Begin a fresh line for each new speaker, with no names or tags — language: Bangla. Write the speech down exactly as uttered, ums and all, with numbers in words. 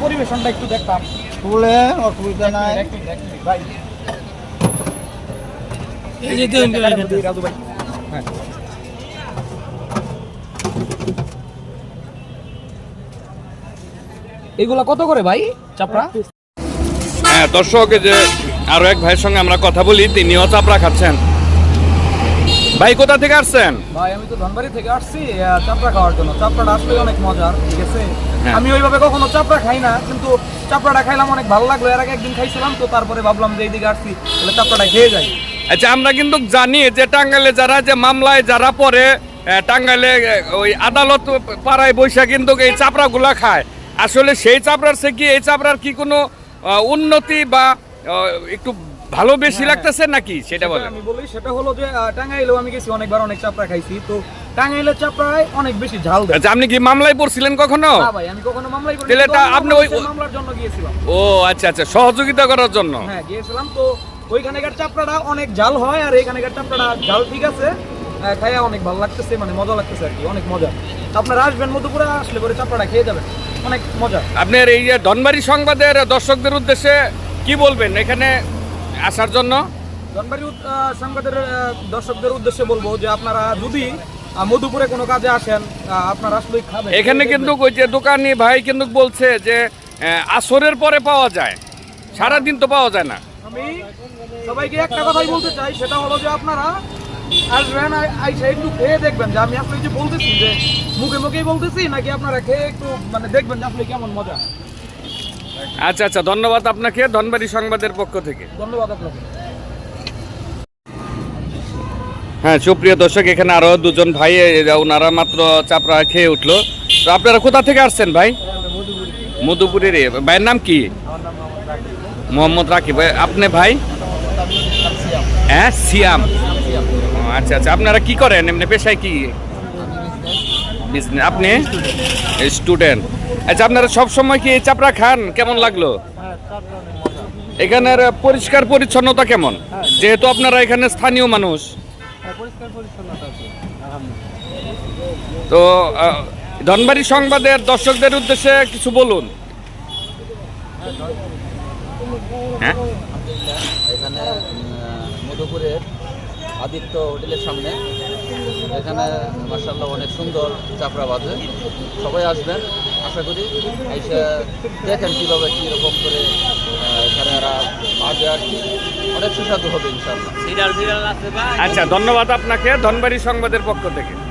পরিবেশনটা একটু দেখতাম।
তুলে অসুবিধা নাই
ভাই
এই যে দেখুন
রাজু ভাই, হ্যাঁ এগুলা কত করে ভাই চাপড়া?
হ্যাঁ দর্শক, এই যে আরো এক ভাইয়ের সঙ্গে আমরা কথা বলি, তিনিও চাপড়া খাচ্ছেন। ভাই কোথা থেকে আসছেন?
ভাই আমি তো ধনবাড়ি থেকে আসছি আহ, চাপড়া খাওয়ার জন্য। চাপড়াটা আসলে অনেক মজার, ঠিক আছে।
হ্যাঁ।
আমি ওইভাবে কখনো চাপড়া খাই না, কিন্তু চাপড়াটা খাইলাম, অনেক ভালো লাগলো। এর আগে একদিন খাইছিলাম, তো তারপরে ভাবলাম যে এইদিকে আসছি তাহলে চাপড়াটা খেয়ে যাই।
আচ্ছা, আমরা কিন্তু জানি যে টাঙ্গাইলে যারা যে মামলায় যারা পড়ে, আহ, টাঙ্গাইলে আহ, ওই আদালত পাড়ায় বৈশা কিন্তু এই চাপড়াগুলা খায়। আসলে সেই চাপড়ার সে কি এই চাপড়ার কি কোনো আহ, উন্নতি বা আহ, একটু ভালো বেশি লাগতেছে নাকি সেটা বলেন।
আমি বলি সেটা হলো যে আহ, টাঙ্গাইলেও আমি গেছি অনেকবার, অনেক চাপড়া খাইছি। তো টাঙ্গাইলের চাপড়ায় অনেক বেশি ঝাল দেয়।
আচ্ছা, আপনি কি মামলায় পড়ছিলেন কখনো?
না ভাই, আমি কখনো মামলাই করিনি।
তাহলে
কিন্তু
এটা
আমি
আপনি ওই-
মামলার- মামলার জন্য গিয়েছিলাম।
ও আচ্ছা আচ্ছা, সহযোগিতা করার জন্য।
হ্যাঁ গিয়েছিলাম। তো ওইখানেকার চাপড়াটা অনেক ঝাল হয়, আর এখানেকার চাপড়াটা ঝাল ঠিক আছে, আহ, খাইয়া অনেক ভালো লাগতেছে, মানে মজা লাগতেছে আর কি, অনেক মজা। আপনারা আসবেন মধুপুরে, আসলে পরে চাপড়াটা খেয়ে যাবেন, অনেক মজা।
আপনার এই যে ধনবাড়ি সংবাদের দর্শকদের উদ্দেশ্যে কি বলবেন এখানে আসার জন্য?
ধনবাড়ি উদ- আহ, সংবাদের আহ, দর্শকদের উদ্দেশ্যে বলবো যে আপনারা যদি আহ, মধুপুরে কোনো কাজে আসেন, আহ, আপনারা আসলেই খাবেন।
এখানে কিন্তু ওই যে দোকানি ভাই কিন্তু বলছে যে আহ, আসরের পরে পাওয়া যায়, সারাদিন তো পাওয়া যায় না।
আমি সবাইকে একটা কথাই বলতে চাই, সেটা হলো যে আপনারা আসবেন, আই- আইসা একটু খেয়ে দেখবেন যে আমি আসলে যে বলতেছি যে মুখে মুখেই বলতেছি, নাকি আপনারা খেয়ে একটু মানে দেখবেন যে আসলে কেমন মজা।
আচ্ছা আচ্ছা, ধন্যবাদ আপনাকে ধনবাড়ি সংবাদের পক্ষ থেকে।
ধন্যবাদ আপনাকে।
হ্যাঁ সুপ্রিয় দর্শক, এখানে আরো দুজন ভাই, এরা ওনারা মাত্র চাপড়া খেয়ে উঠলো। তো আপনারা কোথা থেকে আসছেন ভাই? মধুপুরের। ভাইয়ের নাম কি? মোহাম্মদ রাকিব। আপনি ভাই? হ্যাঁ সিয়াম। ও, আচ্ছা আচ্ছা, আপনারা কি করেন এমনি, পেশায় কি? বিজনেস। আপনি স্টুডেন্ট? আচ্ছা, আপনারা সব সময় কি এই চাপড়া খান? কেমন লাগলো এখানের পরিষ্কার পরিচ্ছন্নতা কেমন, যেহেতু আপনারা এখানে স্থানীয় মানুষ? তো আহ, ধনবাড়ি সংবাদের দর্শকদের উদ্দেশ্যে কিছু বলুন। হ্যাঁ,
এখানে মধুপুরের আদিত্য হোটেলের সামনে, এখানে মাশাআল্লাহ অনেক সুন্দর চাপড়া বাজে। সবাই আসবেন, আশা করি এসে দেখেন কীভাবে কীরকম করে আহ, এখানে এরা বাজে আর কি, অনেক সুস্বাদু হবে ইনশাআল্লাহ।
আচ্ছা ধন্যবাদ আপনাকে ধনবাড়ি সংবাদের পক্ষ থেকে।